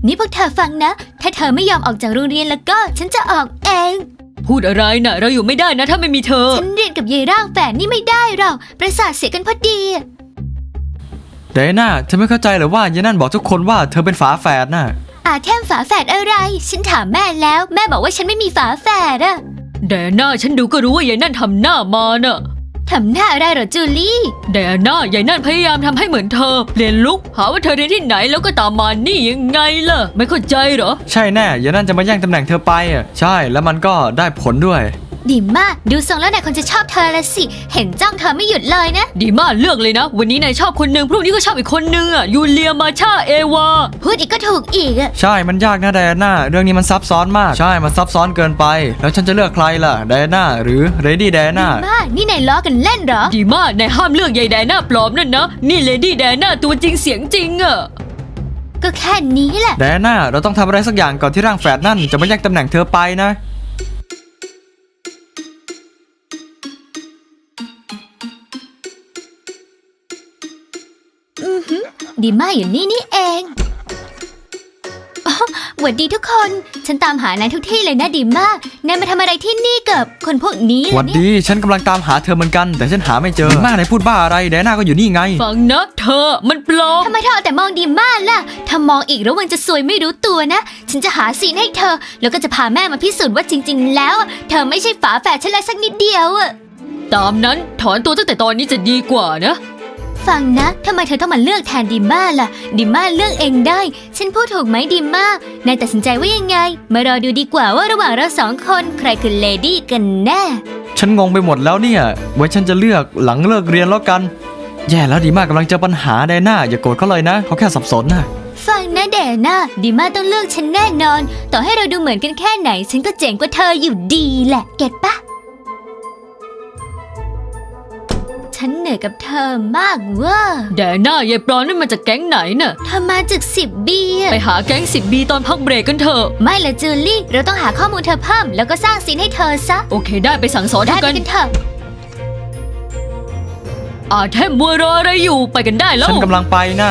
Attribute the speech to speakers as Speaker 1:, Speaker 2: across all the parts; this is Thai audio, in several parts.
Speaker 1: นี่พวกเธอฟังนะถ้าเธอไม่ยอมออกจากโรงเรียนแล้วก็ฉันจะออกเอง
Speaker 2: พูดอะไรนะเราอยู่ไม่ได้นะถ้าไม่มีเธอ
Speaker 1: ฉันเรียนกับยายร่างแฝดนี่ไม่ได้หรอกประสาทเสียกันพอดี
Speaker 3: ไดอาน่าเธอไม่เข้าใจหรือว่ายายนั่นบอกทุกคนว่าเธอเป็นฝาแฝดน่ะ
Speaker 1: แค่ฝาแฝดอะไรฉันถามแม่แล้วแม่บอกว่าฉันไม่มีฝาแฝดอะ
Speaker 2: ไดอาน่าฉันดูก็รู้ว่ายายนั่นทำหน้ามาน่ะ
Speaker 1: ทำหน้าอะไรเหรอจูลี่
Speaker 2: ไดอาน่ายายนั่นพยายามทำให้เหมือนเธอเปลี่ยนลุคหาว่าเธอเรียนที่ไหนแล้วก็ตามมานี่ยังไงล่ะไม่เข้าใจเหรอ
Speaker 3: ใช่แน่ยายนั่นจะมาแย่งตำแหน่งเธอไปอ่ะใช่แล้วมันก็ได้ผลด้วย
Speaker 1: ดีมากดูทรงแล้วนายคนจะชอบเธอละสิเห็นจ้องเธอไม่หยุดเลยนะ
Speaker 2: ดีมากเลือกเลยนะวันนี้นายชอบคนนึงพรุ่งนี้ก็ชอบอีกคนนึงอ่ะยูเลียมาชาเอวา
Speaker 1: พูดอีกก็ถูกอีกอ่ะ
Speaker 3: ใช่มันยากนะไดอาน่าเรื่องนี้มันซับซ้อนมากใช่มันซับซ้อนเกินไปแล้วฉันจะเลือกใครล่ะไดอาน่าหรือเรดี้ไดอาน่า
Speaker 1: ดีมากนี่นายล้อกันเล่นเหรอ
Speaker 2: ดีมากนายห้ามเลือกยายไดอาน่าปลอมนั่นนะนี่เลดี้ไดอาน่าตัวจริงเสียงจริงอ่ะ
Speaker 1: ก็แค่นี้แหละ
Speaker 3: ไดอาน่าเราต้องทำอะไรสักอย่างก่อนที่ร่างแฝดนั่นจะมาแย่งตำแหน่งเธอไปนะ
Speaker 1: ดีมากอยู่นี่เองหวัดดีทุกคนฉันตามหานายทุกที่เลยนะดีมากนายมาทำอะไรที่นี่กับคนพวกนี้
Speaker 3: หวัดดีฉันกำลังตามหาเธอเหมือนกันแต่ฉันหาไม่เจอดีมากนายพูดบ้าอะไรไดอาน่าก็อยู่นี่ไง
Speaker 2: ฟังนะเธอมันปลอม
Speaker 1: ทำไมเธอแต่มองดีมากล่ะถ้ามองอีกระวังจะซวยไม่รู้ตัวนะฉันจะหาซีนให้เธอแล้วก็จะพาแม่มาพิสูจน์ว่าจริงๆแล้วเธอไม่ใช่ฝาแฝดฉันเลยสักนิดเดียว
Speaker 2: ตามนั้นถอนตัวตั้งแต่ตอนนี้จะดีกว่านะ
Speaker 1: ฟังนะทำไมเธอต้องมาเลือกแทนดิม่าล่ะดิม่าเลือกเองได้ฉันพูดถูกไหมดิม่านายตัดสินใจว่ายังไงมารอดูดีกว่าว่าระหว่างเราสองคนใครคือเลดี้กันแน่
Speaker 3: ฉันงงไปหมดแล้วเนี่ยไว้ฉันจะเลือกหลังเลิกเรียนแล้วกันแย่แล้วดิม่ากำลังเจอปัญหาไดอาน่าอย่าโกรธเขาเลยนะเขาแค่สับสนนะ
Speaker 1: ฟังนะเดน่าดิม่าต้องเลือกฉันแน่นอนต่อให้เราดูเหมือนกันแค่ไหนฉันก็เจ๋งกว่าเธออยู่ดีแหละเก็ตปะฉันเหนื่อยกับเธอมากว่า
Speaker 2: แดน่ายายปลอมนั่นมาจากแก๊งไหนน่ะ
Speaker 1: เธอมาจาก10B
Speaker 2: ไปหาแก๊ง10Bตอนพักเบรกกันเถอะ
Speaker 1: ไม่ละจูลี่เราต้องหาข้อมูลเธอเพิ่มแล้วก็สร้างซีนให้เธอซะ
Speaker 2: โอเคได้ไปสั่งสอนเธอกัน
Speaker 1: เถอะ
Speaker 2: แทมมัวรออะไรอยู่ไปกันได้แล้ว
Speaker 3: ฉันกำลังไปนะ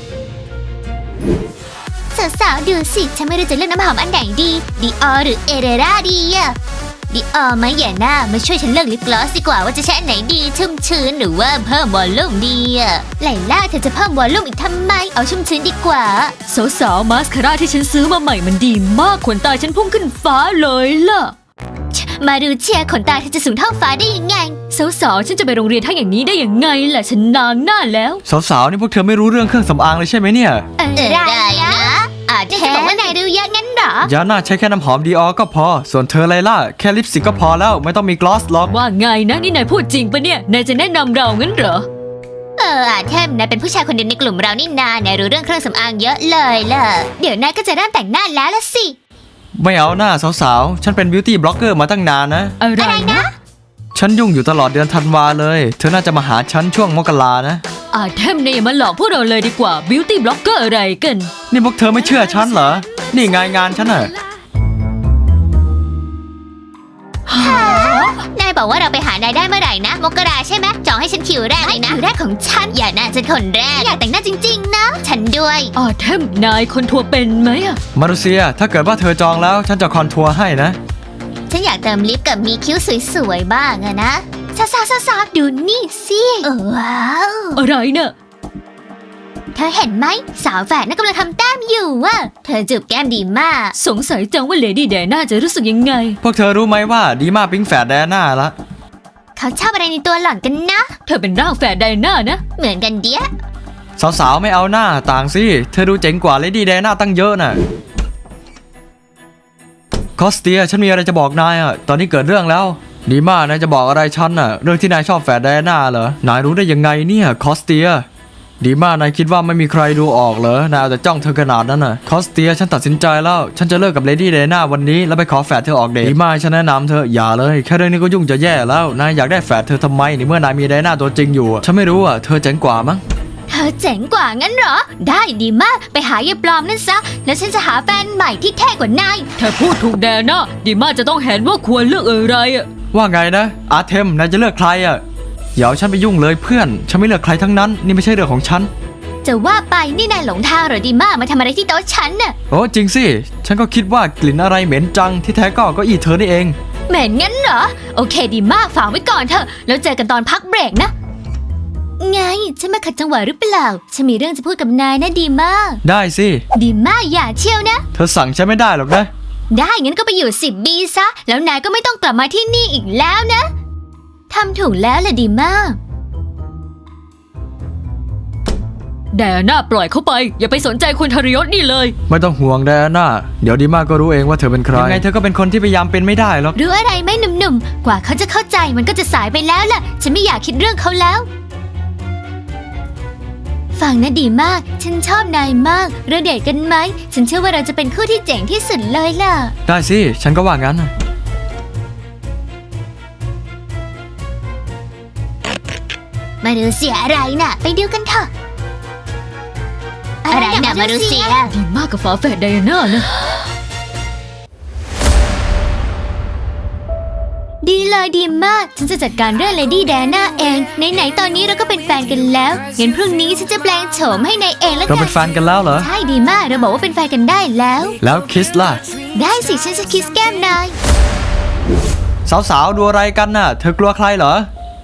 Speaker 1: สาวๆดูสิฉันไม่รู้จะเลือกน้ำหอมอันไหนดีดิออหรือเอเรราดีอะดิออไหมอย่าหน้ามาช่วยฉันเลือกลิปกลอสดีกว่าว่าจะใช้อันไหนดีชุ่มชื้นหรือว่าเพิ่มวอลลุ่มดีอะไลล่าเธอจะเพิ่มวอลลุ่มอีกทำไมเอาชุ่มชื้นดีกว่า
Speaker 2: สาวมาสคาร่าที่ฉันซื้อมาใหม่มันดีมากขนตาฉันพุ่งขึ้นฟ้าเลยล่ะ
Speaker 1: มาดูเชียร์ขนตาเธอจะสูงเท่าฟ้าได้ยังไง
Speaker 2: สาวฉันจะไปโรงเรียนทั้งอย่างนี้ได้ยังไงล่ะฉันนางหน้าแล้ว
Speaker 3: สาวนี่พวกเธอไม่รู้เรื่องเครื่องสำอางเลยใช่ไหมเนี่ย
Speaker 1: ได้นะจะบอกว่านายดูเยอะงั้นเหรอย
Speaker 3: าน่าใช้แค่น้ำหอมดีออก็พอส่วนเธอไลล่าแค่ลิปสติกก็พอแล้วไม่ต้องมีกลอสหรอก
Speaker 2: ว่าไงนะนี่นายพูดจริงปะเนี่ยนายจะแนะนำเรางั้นเหรอ
Speaker 1: แทมนายเป็นผู้ชายคนเดียวในกลุ่มเรานี่นายรู้เรื่องเครื่องสำอางเยอะเลยล่ะเดี๋ยวนายก็จะเริ่มแต่งหน้าแล้วละสิ
Speaker 3: ไม่เอาหน้าสาวฉันเป็นบิวตี้บล็อกเกอร์มาตั้งนานนะ
Speaker 1: อะไรนะ
Speaker 3: ฉันยุ่งอยู่ตลอดเดือนธันวาเลยเธอน่าจะมาหาฉันช่วงมกรานะ
Speaker 2: แทมนายอย่ามาหลอกพวกเราเลยดีกว่าบิวตี้บล็อกเกอร์อะไรกัน
Speaker 3: นี่พวกเธอไม่เชื่อฉันเหรอนี่งานฉันอะ
Speaker 1: นายบอกว่าเราไปหานายได้เมื่อไหร่นะมกราใช่ไหมจองให้ฉันคิวแรกเลยนะคิวแรกของฉันอย่าน่าจะคนแรกอยากแต่งหน้าจริงๆนะฉันด้วย
Speaker 2: แทมนายคอนทัวร์เป็นไหมอะ
Speaker 3: มารุเซียถ้าเกิดว่าเธอจองแล้วฉันจะคอนทัวร์ให้นะ
Speaker 1: ฉันอยากเติมลิปกับมีคิ้วสวยๆบ้างอะนะสาวดูนี่สิว้าว
Speaker 2: อะไรเนอะ
Speaker 1: เธอเห็นไหมสาวแฝดนั่นกำลังทำแต้มอยู่อะเธอจูบแก้มดีมาก
Speaker 2: สงสัยจังว่าเลดี้แดน่าจะรู้สึกยังไง
Speaker 3: พวกเธอรู้ไหมว่าดีมาปิ๊งแฝดแดน่าละ
Speaker 1: เขาชอบอะไรในตัวหล่อนกันนะ
Speaker 2: เธอเป็นร่างแฝดแดน่านะ
Speaker 1: เหมือนกันเดีย
Speaker 3: สาวไม่เอาหน้าต่างสิเธอดูเจ๋งกว่าเลดี้แดน่าตั้งเยอะน่ะคอสเตียฉันมีอะไรจะบอกนายตอนนี้เกิดเรื่องแล้วดีมากนายจะบอกอะไรฉันเรื่องที่นายชอบแฝดแดน่าเหรอนายรู้ได้ยังไงเนี่ยคอสเตียดีมากนายคิดว่าไม่มีใครดูออกเหรอนายเอาแต่จ้องเธอขนาดนั้นคอสเตียฉันตัดสินใจแล้วฉันจะเลิกกับเลดี้แดน่าวันนี้แล้วไปขอแฝดเธอออกเดทดีมากฉันแนะนำเธออย่าเลยแค่เรื่องนี้ก็ยุ่งจะแย่แล้วนายอยากได้แฝดเธอทำไมในเมื่อนายมีแดน่าตัวจริงอยู่ฉันไม่รู้เธอเจ๋งกว่ามั้ง
Speaker 1: เธอเจ๋งกว่างั้นเหรอได้ดีมากไปหายายปลอมนั่นซะแล้วฉันจะหาแฟนใหม่ที่เท่กว่านาย
Speaker 2: เธอพูดถูกแดน่าดีมากจะต้องเห็นว่าควรเลือกอะไร
Speaker 3: ว่าไงนะเทมนายจะเลือกใครอย่าเอาฉันไปยุ่งเลยเพื่อนฉันไม่เลือกใครทั้งนั้นนี่ไม่ใช่เรื่องของฉัน
Speaker 1: จะว่าไปนี่นายหลงทางเหรอดีมากมาทำอะไรที่โต๊ะฉันน่ะ
Speaker 3: โอ้จริงสิฉันก็คิดว่ากลิ่นอะไรเหม็นจังที่แท้ก็เก้าอี้เธอนี่เอง
Speaker 1: เหม็นงั้นเหรอโอเคดีมากฝากไว้ก่อนเถอะแล้วเจอกันตอนพักเบรกนะไงฉันมาขัดจังหวะหรือเปล่าฉันมีเรื่องจะพูดกับนายนะดีมาก
Speaker 3: ได้สิ
Speaker 1: ดีมากอย่าเชียวนะ
Speaker 3: เธอสั่งฉันไม่ได้หรอกนะ
Speaker 1: ได้งั้นก็ไปอยู่10 ปีซะแล้วนายก็ไม่ต้องกลับมาที่นี่อีกแล้วนะทำถูกแล้วแหละดีมาก
Speaker 2: แดน่าปล่อยเขาไปอย่าไปสนใจคุณทรยศนี่เลย
Speaker 3: ไม่ต้องห่วงไดอาน่าเดี๋ยวดีมากก็รู้เองว่าเธอเป็นใครยังไงเธอก็เป็นคนที่พยายามเป็นไม่ได้หรอก
Speaker 1: รู้อะไรไหมหนุ่มๆกว่าเขาจะเข้าใจมันก็จะสายไปแล้วล่ะฉันไม่อยากคิดเรื่องเขาแล้วฟังนะดีมากฉันชอบนายมากเราเดทกันไหมฉันเชื่อว่าเราจะเป็นคู่ที่เจ๋งที่สุดเลยล่ะ
Speaker 3: ได้สิฉันก็ว่างั้น
Speaker 1: มาดูเสียอะไรน่ะไปดูกันเถอะอะไรน่ะมาดูเสีย
Speaker 2: ดีมากกับฝาแฝดไดอาน่านะ
Speaker 1: ดีเลยดีมากฉันจะจัดการเรื่องเลดี้แดน่าเองไหนๆตอนนี้เราก็เป็นแฟนกันแล้วงั้นพรุ่งนี้ฉันจะแปลงโฉมให้นายเองแล้ว
Speaker 3: เรา
Speaker 1: กั
Speaker 3: เป็น นแฟนกันแล้วเหรอ
Speaker 1: ใช่ดีมากเราบอกว่าเป็นแฟนกันได้แล้ว
Speaker 3: แล้วคิสล่ะ
Speaker 1: ได้สิฉันจะคิสแก้มนาย
Speaker 3: สาวๆดูอะไรกันน่ะ เธอกลัวใครเหรอ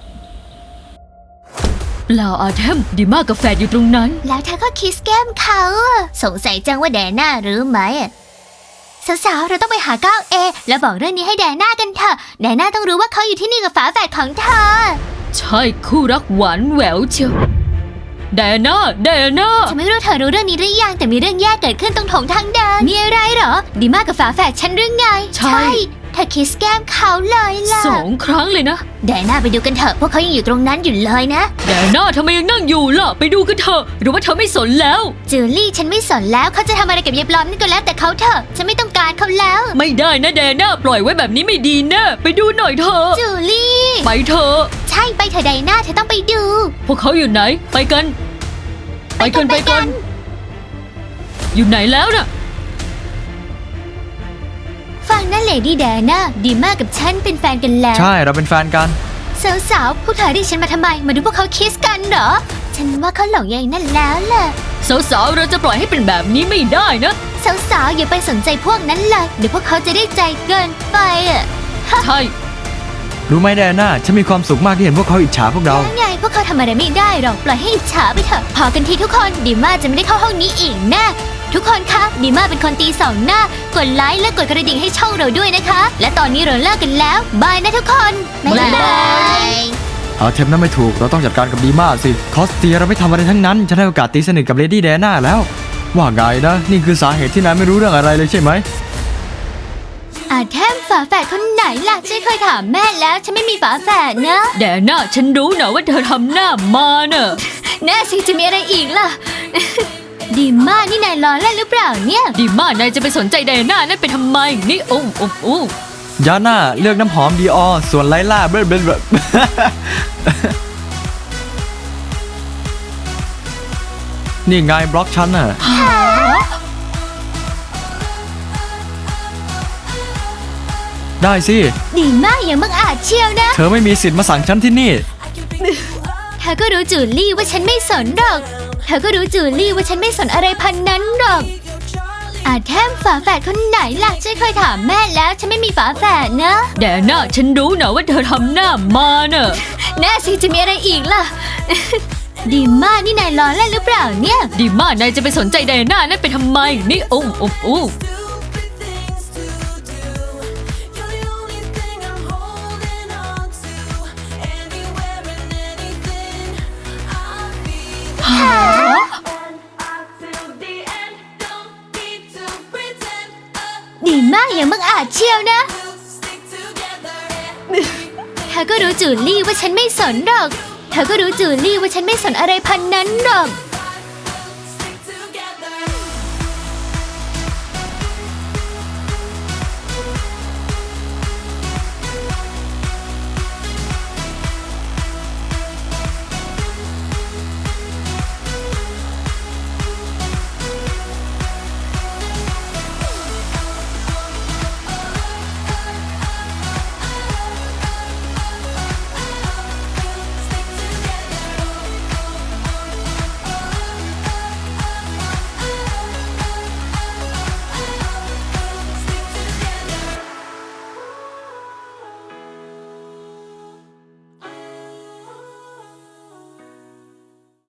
Speaker 2: เปล่าอาเทมดีมากกับแฝดอยู่ตรงนั้น
Speaker 1: แล้วเธอก็คิสแก้มเขาอะสงสัยจังว่าแดน่ารู้ไหมอะสาวๆเราต้องไปหาก้าวเอแล้วบอกเรื่องนี้ให้แดน่ากันเถอะแดน่าต้องรู้ว่าเขาอยู่ที่นี่กับฝาแฝดของเธอ
Speaker 2: ใช่คู่รักหวานแหววเชียวไดอาน่า
Speaker 1: ฉันไม่รู้เธอรู้เรื่องนี้หรือยังแต่มีเรื่องแย่เกิดขึ้นตรงโถงทางเดินมีอะไรเหรอดีมากกับฝาแฝดฉันหรือไงเธอคิสแก้มเขาเลยล่ะ
Speaker 2: 2 ครั้งเลยนะ
Speaker 1: แดน่าไปดูกันเถอะพวกเขายังอยู่ตรงนั้นอยู่เลยนะ
Speaker 2: ไดอาน่าทำไมยังนั่งอยู่ล่ะไปดูกันเถอะหรือว่าเธอไม่สนแล้ว
Speaker 1: จูลี่ฉันไม่สนแล้วเขาจะทำอะไรกับยายปลอมนี่ก็แล้วแต่เขาเถอะฉันไม่ต้องการเขาแล้ว
Speaker 2: ไม่ได้นะไดอาน่าปล่อยไว้แบบนี้ไม่ดีนะไปดูหน่อยเถอะ
Speaker 1: จูลี่
Speaker 2: ไปเถอะ
Speaker 1: ใช่ไปเถอะไดน่าเธอต้องไปดู
Speaker 2: พวกเขาอยู่ไหนไปกัน อยู่ไหนแล้วน่ะ
Speaker 1: ฟังนะเลดี้แดน่าดีมากกับฉันเป็นแฟนกันแล้ว
Speaker 3: ใช่เราเป็นแฟนกัน
Speaker 1: สาวๆพวกเธอเรียกฉันมาทำไมมาดูพวกเขาคิสกันเหรอฉันว่าเขาหลงใยนั่นแล้วแหละ
Speaker 2: สาวๆเราจะปล่อยให้เป็นแบบนี้ไม่ได้นะ
Speaker 1: สาวๆอย่าไปสนใจพวกนั้นเลยเดี๋ยวพวกเขาจะได้ใจเกินไปอ่ะ
Speaker 2: ใช่
Speaker 3: รู้ไหมไดอาน่าฉันมีความสุขมากที่เห็นพวกเขาอิจฉาพวกเรา
Speaker 1: แล้วไงพวกเขาทำอะไรไม่ได้หรอกปล่อยให้อิจฉาไปเถอะพอกันทีทุกคนดีมาจะไม่ได้เข้าห้องนี้อีกแน่ทุกคนคะดีมาเป็นคนตีสองหน้ากดไลค์และกดกระดิ่งให้ช่องเราด้วยนะคะ และตอนนี้เราเลิกกันแล้วบายนะทุกคนบ๊ายบาย
Speaker 3: เอาเทมนั้นไม่ถูกเราต้องจัดการกับดีมากสิคอสเตียเราไม่ทำอะไรทั้งนั้นฉันให้โอกาสตีสนิทกับเลดี้แดน่าแล้วว่าไงนะนี่คือสาเหตุที่นายไม่รู้เรื่องอะไรเลยใช่ไหม
Speaker 1: แทมฝาแฝดคนไหนล่ะฉันเคยถามแม่แล้วฉันไม่มีฝาแฝดนะ
Speaker 2: แดน่าฉันรู้นะว่าเธอทำหน้ามาเนอะ
Speaker 1: แน่สิจะมีอะไรอีกล่ะ ดีมากนี่นายล้อเล่นหรือเปล่าเนี่ย
Speaker 2: ดีมากนายจะไปสนใจไดอาน่านั่นไปทำไมนี่โอ้
Speaker 3: ยาน่าเลือกน้ำหอมดีออส่วนไลล่าเบลเบลนี่ไงบล็อกฉันน่ะได้สิ
Speaker 1: ดีมากอย่างบังอาจเชียวนะ
Speaker 3: เธอไม่มีสิทธิ์มาสั่งฉันที่นี่
Speaker 1: เธอก็รู้จูลี่ว่าฉันไม่สนหรอกเธอก็รู้จูลี่ว่าฉันไม่สนอะไรพันนั้นหรอกแทมฝาแฝดคนไหนล่ะฉันเคยถามแม่แล้วฉันไม่มีฝาแฝดนะ
Speaker 2: แดน่าฉันรู้นะว่าเธอทำหน้ามาเนอะ
Speaker 1: แน่สิจะมีอะไรอีกล่ะ ดีมากนี่นายล้อเล่นหรือเปล่าเนี่ย
Speaker 2: ดีมากนายจะไปสนใจไดอาน่านั่นไปทำไมนี่โอ้
Speaker 1: ดีมากอย่างบังอาจเชียวนะ เธอก็รู้จูลี่ว่าฉันไม่สนหรอก เธอก็รู้จูลี่ว่าฉันไม่สนอะไรพันนั้นหรอก